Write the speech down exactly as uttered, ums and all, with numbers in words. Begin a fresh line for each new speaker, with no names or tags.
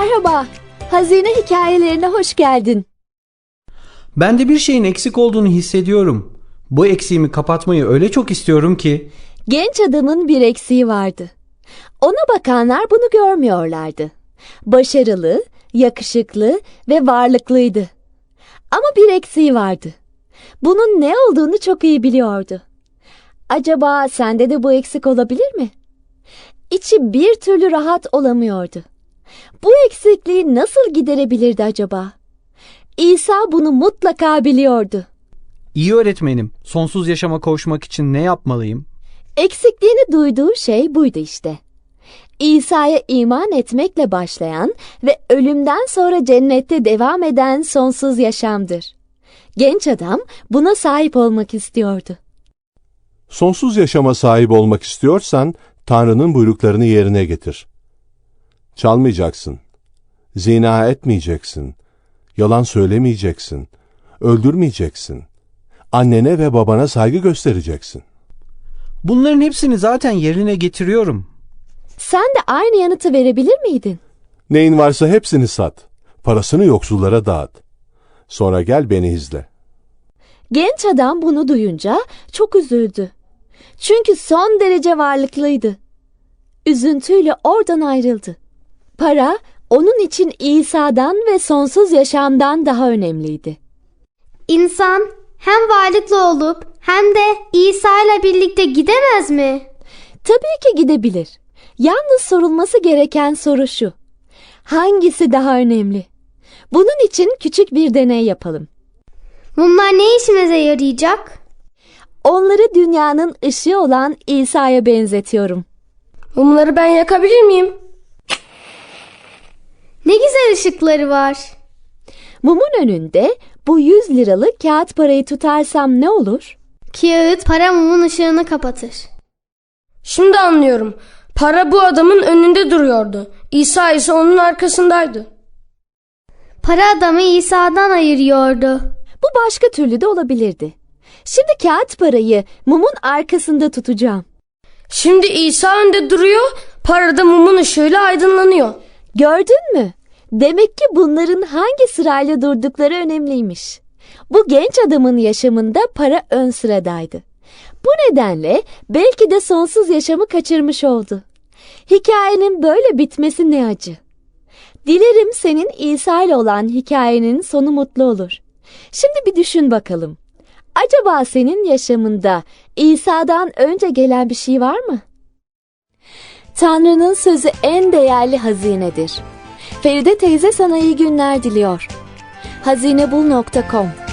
Merhaba, Hazine hikayelerine hoş geldin.
Ben de bir şeyin eksik olduğunu hissediyorum. Bu eksiğimi kapatmayı öyle çok istiyorum ki.
Genç adamın bir eksiği vardı. Ona bakanlar bunu görmüyorlardı. Başarılı, yakışıklı ve varlıklıydı. Ama bir eksiği vardı. Bunun ne olduğunu çok iyi biliyordu. Acaba sende de bu eksik olabilir mi? İçi bir türlü rahat olamıyordu. Bu eksikliği nasıl giderebilirdi acaba? İsa bunu mutlaka biliyordu.
İyi öğretmenim, sonsuz yaşama kavuşmak için ne yapmalıyım?
Eksikliğini duyduğu şey buydu işte. İsa'ya iman etmekle başlayan ve ölümden sonra cennette devam eden sonsuz yaşamdır. Genç adam buna sahip olmak istiyordu.
Sonsuz yaşama sahip olmak istiyorsan, Tanrı'nın buyruklarını yerine getir. Çalmayacaksın, zina etmeyeceksin, yalan söylemeyeceksin, öldürmeyeceksin, annene ve babana saygı göstereceksin.
Bunların hepsini zaten yerine getiriyorum.
Sen de aynı yanıtı verebilir miydin?
Neyin varsa hepsini sat, parasını yoksullara dağıt. Sonra gel beni izle.
Genç adam bunu duyunca çok üzüldü. Çünkü son derece varlıklıydı. Üzüntüyle oradan ayrıldı. Para onun için İsa'dan ve sonsuz yaşamdan daha önemliydi.
İnsan hem varlıklı olup hem de İsa ile birlikte gidemez mi?
Tabii ki gidebilir. Yalnız sorulması gereken soru şu: hangisi daha önemli? Bunun için küçük bir deney yapalım.
Bunlar ne işimize yarayacak?
Onları dünyanın ışığı olan İsa'ya benzetiyorum.
Mumları ben yakabilir miyim?
Ne güzel ışıkları var.
Mumun önünde bu yüz liralık kağıt parayı tutarsam ne olur?
Kağıt para mumun ışığını kapatır.
Şimdi anlıyorum. Para bu adamın önünde duruyordu. İsa ise onun arkasındaydı.
Para adamı İsa'dan ayırıyordu.
Bu başka türlü de olabilirdi. Şimdi kağıt parayı mumun arkasında tutacağım.
Şimdi İsa önde duruyor, para da mumun ışığıyla aydınlanıyor.
Gördün mü? Demek ki bunların hangi sırayla durdukları önemliymiş. Bu genç adamın yaşamında para ön sıradaydı. Bu nedenle belki de sonsuz yaşamı kaçırmış oldu. Hikayenin böyle bitmesi ne acı. Dilerim senin İsa ile olan hikayenin sonu mutlu olur. Şimdi bir düşün bakalım. Acaba senin yaşamında İsa'dan önce gelen bir şey var mı? Tanrı'nın sözü en değerli hazinedir. Feride teyze sana iyi günler diliyor. hazinebul nokta com